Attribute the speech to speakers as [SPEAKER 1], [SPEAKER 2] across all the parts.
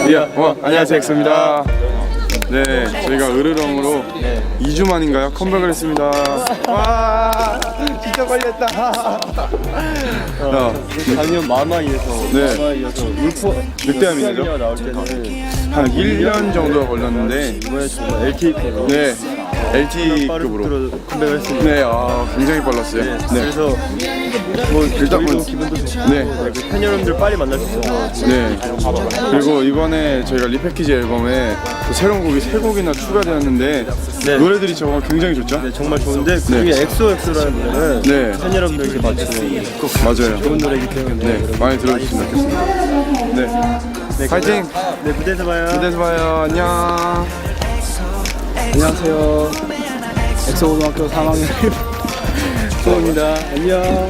[SPEAKER 1] 안녕하세요, 엑소입니다. 네, 저희가 으르렁으로 2주 만인가요? 컴백을 했습니다. 와, 진짜 걸렸다.
[SPEAKER 2] 작년 마마이에서
[SPEAKER 1] 늑대암이죠?
[SPEAKER 2] 나올 때는
[SPEAKER 1] 한 1년 정도가 걸렸는데
[SPEAKER 2] 이번에 정말 LTE급으로
[SPEAKER 1] 네, LTE급으로
[SPEAKER 2] 컴백을 했습니다.
[SPEAKER 1] 네, 굉장히 빨랐어요. 네.
[SPEAKER 2] 그래서 뭐
[SPEAKER 1] 일단
[SPEAKER 2] 저희도 기분도 좋고
[SPEAKER 1] 네.
[SPEAKER 2] 팬 여러분들 빨리 만날 수 있어서
[SPEAKER 1] 네. 그리고 이번에 저희가 리패키지 앨범에 또 새로운 곡이 3곡이나 추가되었는데
[SPEAKER 2] 네.
[SPEAKER 1] 노래들이 정말 굉장히 좋죠?
[SPEAKER 2] 네, 정말 좋은데 그중에 엑소엑소라는 노래는
[SPEAKER 1] 네.
[SPEAKER 2] 팬 여러분들께 맞추는 꼭
[SPEAKER 1] 맞아요.
[SPEAKER 2] 좋은 노래이기 때문에
[SPEAKER 1] 네, 많이 들어주시면 좋겠습니다. 네.
[SPEAKER 2] 네,
[SPEAKER 1] 파이팅!
[SPEAKER 2] 네, 무대에서 봐요.
[SPEAKER 1] 무대에서 봐요. 안녕.
[SPEAKER 2] 안녕하세요. 엑소고등학교 3학년 소입니다. 안녕.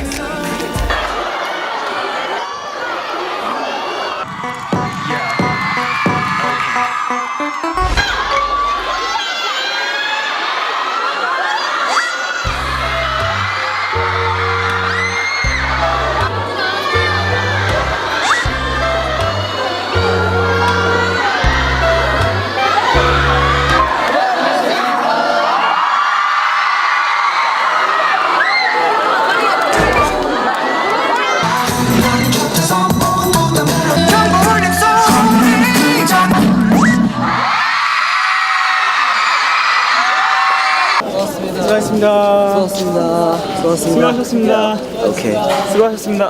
[SPEAKER 2] 수고하셨습니다. 수고하셨습니다. 오케이. 수고하셨습니다.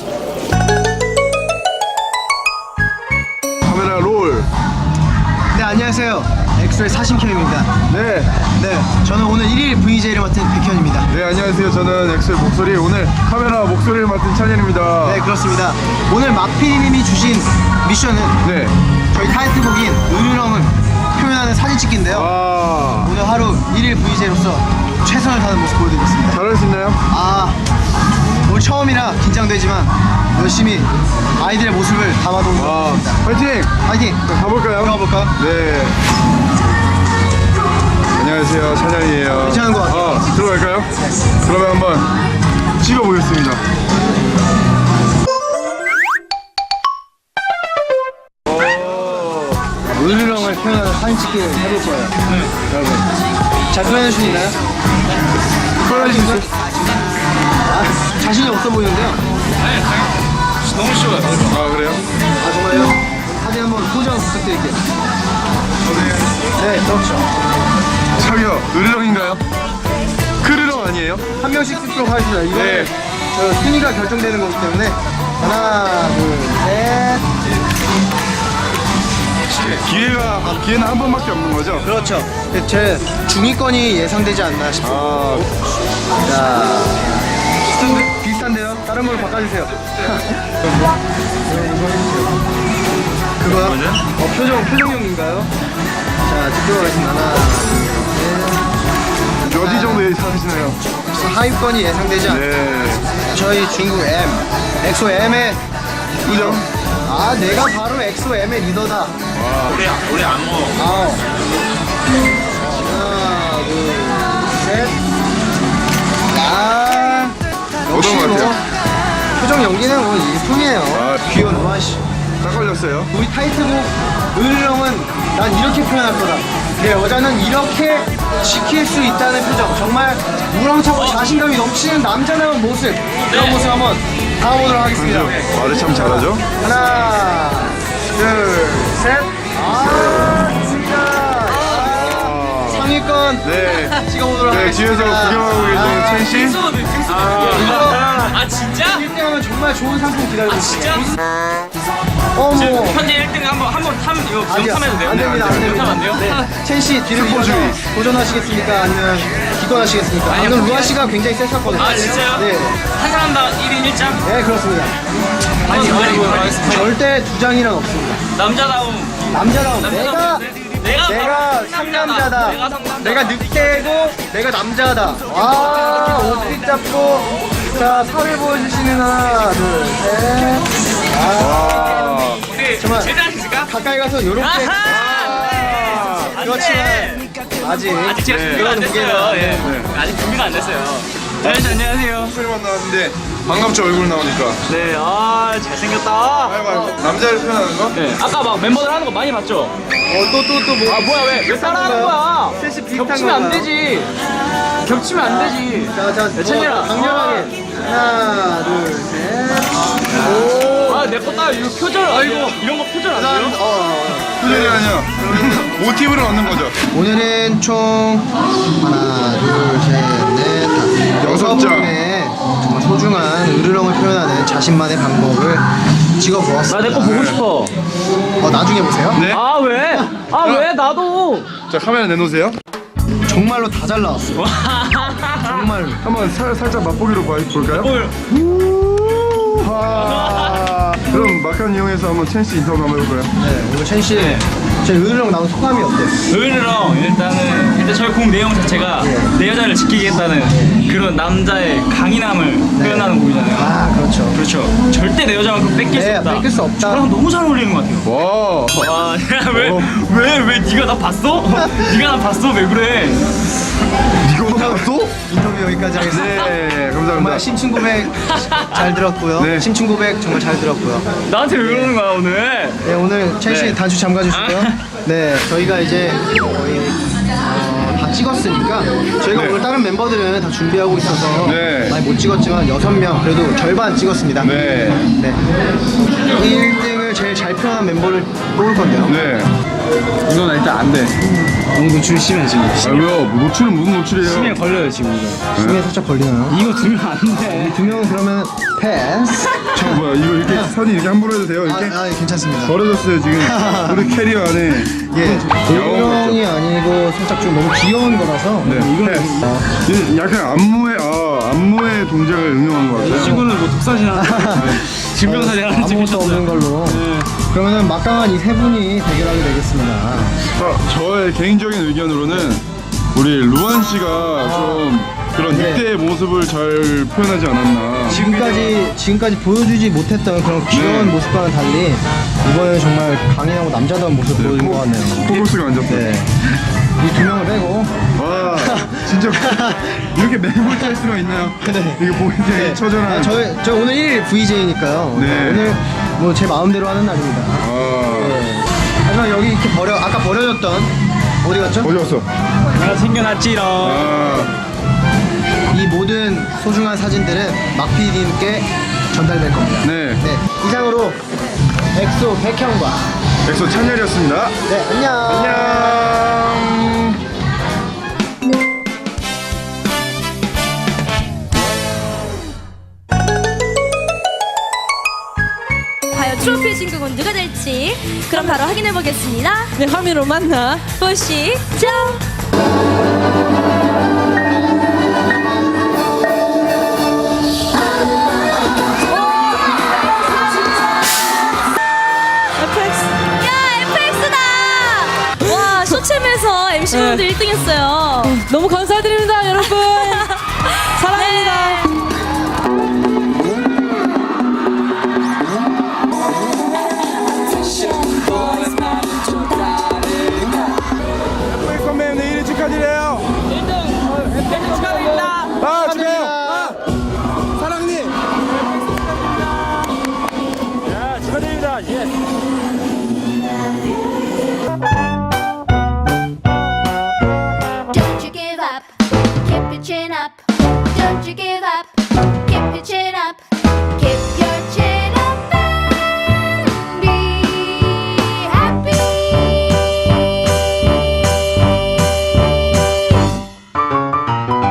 [SPEAKER 1] 카메라 롤.
[SPEAKER 3] 네, 안녕하세요. 엑소의 사심캠입니다.
[SPEAKER 1] 네.
[SPEAKER 3] 네, 저는 오늘 1일 VJ를 맡은 백현입니다.
[SPEAKER 1] 네, 안녕하세요. 저는 엑소의 목소리, 오늘 카메라 목소리를 맡은 찬현입니다.
[SPEAKER 3] 네, 그렇습니다. 오늘 마피디님이 주신 미션은
[SPEAKER 1] 네.
[SPEAKER 3] 저희 타이틀곡인 으르렁을 표현하는 사진 찍기인데요.
[SPEAKER 1] 아,
[SPEAKER 3] 오늘 하루 1일 VJ로서 최선을 다하는 모습 보여드리겠습니다.
[SPEAKER 1] 잘할 수 있나요?
[SPEAKER 3] 오늘 처음이라 긴장되지만 열심히 아이들의 모습을 담아보는 것 같습니다.
[SPEAKER 1] 파이팅!
[SPEAKER 3] 파이팅!
[SPEAKER 1] 자, 가볼까요?
[SPEAKER 3] 가볼까요?
[SPEAKER 1] 네. 안녕하세요, 찬현이에요.
[SPEAKER 3] 괜찮은 것 같아요.
[SPEAKER 1] 들어갈까요? 그러면 한번 찍어보겠습니다.
[SPEAKER 3] 으르렁을 표현하는 사진 찍기를 해볼 거예요. 여러분, 잘 표현해 수 있나요?
[SPEAKER 1] 표현해 주세요.
[SPEAKER 3] 자신이 없어 보이는데요.
[SPEAKER 1] 너무 쉬워요. 아, 그래요?
[SPEAKER 3] 정말요? 사진 한번 포장 부탁드릴게요. 네, 그렇죠.
[SPEAKER 1] 저기요, 으르렁인가요? 크르렁 아니에요?
[SPEAKER 3] 한 명씩 찍도록 하겠습니다. 이거
[SPEAKER 1] 네.
[SPEAKER 3] 저 순위가 결정되는 거기 때문에 하나, 둘, 셋.
[SPEAKER 1] 기회는 한 번밖에 없는 거죠?
[SPEAKER 3] 그렇죠. 제 중위권이 예상되지 않나 싶어요. 자, 비슷한데요? 다른 걸로 바꿔주세요. 그거요? 표정용인가요? 자, 찍도록 하겠습니다. 하나,
[SPEAKER 1] 어디 정도 예상하시나요?
[SPEAKER 3] 하위권이 예상되지 않나.
[SPEAKER 1] 네.
[SPEAKER 3] 저희 중국 M, 엑소 M의 리더. 내가 바로 엑소 M의 리더다.
[SPEAKER 4] 우리 안 먹어.
[SPEAKER 3] 하나, 둘, 셋.
[SPEAKER 1] 어떤
[SPEAKER 3] 역시
[SPEAKER 1] 것 같아요?
[SPEAKER 3] 표정 연기는 뭐 일품이에요. 귀여운 와씨.
[SPEAKER 1] 딱 걸렸어요.
[SPEAKER 3] 우리 타이틀곡 으르렁은 난 이렇게 표현할 거다. 내 여자는 이렇게 지킬 수 있다는 표정. 정말 우렁차고 자신감이 넘치는 남자다운 모습. 그런 모습 한번 담아보도록 하겠습니다.
[SPEAKER 1] 말을 참 잘하죠?
[SPEAKER 3] 하나, 둘, 셋. 좋습니다. 상위권
[SPEAKER 1] 네.
[SPEAKER 3] 찍어보도록
[SPEAKER 1] 네,
[SPEAKER 3] 하겠습니다.
[SPEAKER 1] 뒤에서 구경하고 계시는 첸 씨.
[SPEAKER 4] 아 진짜?
[SPEAKER 3] 1등하면 정말 좋은 상품 기다리고 있습니다.
[SPEAKER 4] 진짜? 지금 현재 1등 한번 타면 이거 타면 돼요?
[SPEAKER 3] 안 됩니다, 안 됩니다.
[SPEAKER 4] 안 돼요?
[SPEAKER 3] 네. 첸씨 뒤를 이어서 도전하시겠습니까? 아니면 기권하시겠습니까?
[SPEAKER 4] 아니요,
[SPEAKER 3] 방금 루아 씨가 굉장히 셌었거든요.
[SPEAKER 4] 아 진짜요?
[SPEAKER 3] 네,
[SPEAKER 4] 한 사람당 1인 1장?
[SPEAKER 3] 네 그렇습니다.
[SPEAKER 4] 아니
[SPEAKER 3] 절대 두 장이란 없습니다.
[SPEAKER 4] 남자다움.
[SPEAKER 3] 남자다운 내가
[SPEAKER 4] 바로
[SPEAKER 3] 상남자다.
[SPEAKER 4] 내가 상남자다.
[SPEAKER 3] 내가 늑대고 내가 남자다. 와, 옷pit 잡고 자 살을 보여주시는 하나, 둘, 셋.
[SPEAKER 4] 우리
[SPEAKER 3] 정말
[SPEAKER 4] 제대로 하실까?
[SPEAKER 3] 가까이 가서 요렇게.
[SPEAKER 4] 아하!
[SPEAKER 3] 그렇지만 아직
[SPEAKER 4] 아직 제가 준비가 안
[SPEAKER 3] 그거는
[SPEAKER 4] 됐어요.
[SPEAKER 3] 무게가
[SPEAKER 4] 예. 아직 준비가 안 됐어요. 안녕하세요.
[SPEAKER 1] 목소리만 나왔는데 반갑죠, 얼굴 나오니까.
[SPEAKER 4] 네, 잘생겼다.
[SPEAKER 1] 아이고, 남자를 표현하는 거?
[SPEAKER 4] 네, 아까 막 멤버들 하는 거 많이 봤죠?
[SPEAKER 3] 또 뭐.
[SPEAKER 4] 아, 뭐야, 왜 따라하는 거야?
[SPEAKER 3] 셋이 비슷한
[SPEAKER 4] 겹치면 안
[SPEAKER 3] 건가요?
[SPEAKER 4] 되지. 겹치면 안 되지.
[SPEAKER 3] 자,
[SPEAKER 4] 찬열아.
[SPEAKER 3] 강렬하게. 하나, 둘, 셋.
[SPEAKER 4] 내 거 딱 이거 표절, 아이고, 이런 거 표절 안 돼요?
[SPEAKER 1] 표정이 아니야. 모티브를 얻는 거죠.
[SPEAKER 3] 오늘은 총 하나, 둘, 셋, 넷, 다섯,
[SPEAKER 1] 여섯
[SPEAKER 3] 여섯
[SPEAKER 1] 장.
[SPEAKER 3] 분의 정말 소중한 으르렁을 표현하는 자신만의 방법을 찍어보았습니다.
[SPEAKER 4] 내 거 보고 싶어.
[SPEAKER 3] 나중에 보세요.
[SPEAKER 1] 네.
[SPEAKER 4] 왜? 왜? 나도.
[SPEAKER 1] 자, 카메라 내놓으세요.
[SPEAKER 3] 정말로 다 잘 나왔어요. 정말로.
[SPEAKER 1] 한번 살짝 맛보기로 볼까요?
[SPEAKER 4] 뭘?
[SPEAKER 1] 그럼 막간 이용해서 한번 첸씨 인터뷰 한번 해볼까요?
[SPEAKER 3] 네, 오늘 첸 씨, 제 으르렁 나온 소감이 어때요?
[SPEAKER 4] 의리랑 일단 저희 곡 내용 자체가 내 여자를 지키겠다는 그런 남자의 강인함을 표현하는 곡이잖아요.
[SPEAKER 3] 아, 그렇죠.
[SPEAKER 4] 그렇죠. 절대 내 여자만큼 뺏길 수
[SPEAKER 3] 네,
[SPEAKER 4] 없다.
[SPEAKER 3] 뺏길 수 없다.
[SPEAKER 4] 저랑 너무 잘 어울리는 것 같아요.
[SPEAKER 1] 와.
[SPEAKER 4] 와, 왜 네가 나 봤어? 네가 나 봤어? 왜 그래?
[SPEAKER 1] 이거 나왔어?
[SPEAKER 3] 인터뷰 여기까지 하겠습니다.
[SPEAKER 1] 네,
[SPEAKER 3] 정말
[SPEAKER 1] 감사합니다.
[SPEAKER 3] 심층 고백 잘 들었고요.
[SPEAKER 1] 네.
[SPEAKER 3] 심층 고백 정말 잘 들었고요.
[SPEAKER 4] 나한테 왜 그러는 거야 오늘?
[SPEAKER 3] 네, 오늘 첸 씨
[SPEAKER 4] 네.
[SPEAKER 3] 단추 잠가 주시고요. 네, 저희가 이제 거의 다 찍었으니까 저희가
[SPEAKER 1] 네.
[SPEAKER 3] 오늘 다른 멤버들은 다 준비하고 있어서
[SPEAKER 1] 네.
[SPEAKER 3] 많이 못 찍었지만 6명 그래도 절반 찍었습니다.
[SPEAKER 1] 네.
[SPEAKER 3] 네. 1등을 제일 잘 표현한 멤버를 뽑을 건데요.
[SPEAKER 1] 네.
[SPEAKER 2] 이건 일단 안 돼. 너무 노출 심해 지금.
[SPEAKER 1] 왜요? 노출은 무슨 노출이에요?
[SPEAKER 2] 심해 걸려요 지금 이거.
[SPEAKER 3] 심에 살짝 걸리나요?
[SPEAKER 2] 이거 들면 안 돼.
[SPEAKER 3] 두 명은 그러면 패스.
[SPEAKER 1] 저 뭐야? 이거 이렇게 사진 이렇게 함부로 해도 돼요? 이렇게?
[SPEAKER 3] 괜찮습니다.
[SPEAKER 1] 버려졌어요 지금. 우리 캐리어 안에.
[SPEAKER 3] 예,
[SPEAKER 1] 야옹
[SPEAKER 3] 도령이 아니고 살짝 좀 너무 귀여운 거라서
[SPEAKER 1] 네. 이거는 약간 안무의 동작을 응용한 것 같아요.
[SPEAKER 2] 친구는 뭐 독사진 하나, 증명사진 하나
[SPEAKER 3] 아무것도 없는
[SPEAKER 2] 찍으셨어요.
[SPEAKER 3] 걸로. 그러면은 막강한 이 세 분이 대결하게 되겠습니다.
[SPEAKER 1] 저의 개인적인 의견으로는 우리 루안 씨가 좀 그런
[SPEAKER 3] 네.
[SPEAKER 1] 늑대의 모습을 잘 표현하지 않았나.
[SPEAKER 3] 지금까지 보여주지 못했던 그런 귀여운
[SPEAKER 1] 네.
[SPEAKER 3] 모습과는 달리 이번에는 정말 강인하고 남자다운 모습 보여준 것 같네요.
[SPEAKER 1] 포커스가 안 잡혀요.
[SPEAKER 3] 네. 이 두 명을 빼고.
[SPEAKER 1] 와, 진짜 이렇게 매몰 짤 수가 있나요?
[SPEAKER 3] 네.
[SPEAKER 1] 이거 보이는데 처절한.
[SPEAKER 3] 저 오늘 1일 VJ니까요.
[SPEAKER 1] 네.
[SPEAKER 3] 오늘 뭐 제 마음대로 하는 날입니다.
[SPEAKER 1] 아,
[SPEAKER 3] 하지만 여기 이렇게 아까 버려졌던 어디 갔죠?
[SPEAKER 1] 어디 갔어?
[SPEAKER 2] 내가 챙겨놨지롱.
[SPEAKER 1] 아,
[SPEAKER 3] 이 모든 소중한 사진들은 막PD님께 전달될 겁니다.
[SPEAKER 1] 네.
[SPEAKER 3] 네, 이상으로 엑소 백형과
[SPEAKER 1] 엑소 찬열이었습니다.
[SPEAKER 3] 네, 안녕.
[SPEAKER 1] 안녕.
[SPEAKER 5] 과연 트로피 진국은 누가 될지 그럼 바로 확인해 보겠습니다.
[SPEAKER 6] 네, 화면으로 만나.
[SPEAKER 5] 보시죠.
[SPEAKER 6] FX.
[SPEAKER 5] 야, FX다. 와, 쇼챔에서 MC분들 1등했어요.
[SPEAKER 6] 너무 감사드립니다, 여러분. 사랑합니다.
[SPEAKER 1] 컴맨 내일 축하드려요. 1등 축하드립니다. 아, 축하해요.
[SPEAKER 3] 사랑님.
[SPEAKER 2] 축하드립니다. 예.
[SPEAKER 7] Don't you give up, keep your chin up. Don't you give